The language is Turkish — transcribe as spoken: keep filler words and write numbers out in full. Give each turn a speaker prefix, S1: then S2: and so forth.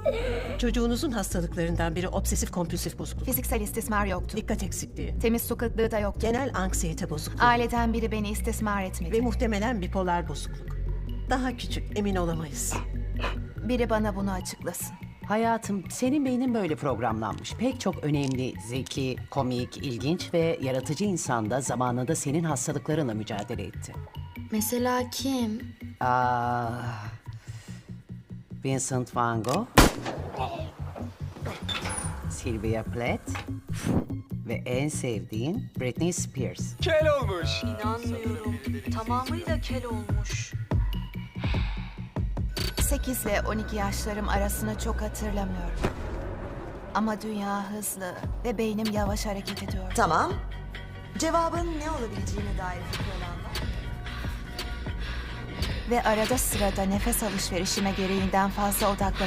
S1: Çocuğunuzun hastalıklarından biri obsesif kompulsif bozukluk.
S2: Fiziksel istismar yoktu.
S1: Dikkat eksikliği.
S2: Temiz su kıtlığı da yoktu.
S1: Genel anksiyete bozukluğu.
S2: Aileden biri beni istismar etmedi.
S1: Ve muhtemelen bipolar bozukluk. Daha küçük, emin olamayız.
S2: Biri bana bunu açıklasın.
S3: Hayatım, senin beynin böyle programlanmış. Pek çok önemli, zeki, komik, ilginç ve yaratıcı insan da zamanında senin hastalıklarınla mücadele etti.
S4: Mesela kim?
S3: Aa, Vincent van Gogh, Sylvia Plath ve en sevdiğin Britney Spears.
S5: Kel olmuş.
S6: İnanmıyorum. Tamamıyla kel olmuş.
S2: sekiz ile on iki yaşlarım arasını çok hatırlamıyorum. Ama dünya hızlı ve beynim yavaş hareket ediyor.
S7: Tamam. Cevabın ne olabileceğine dair fikri olan var.
S2: Ve arada sırada nefes alışverişime gereğinden fazla odaklanıyorum.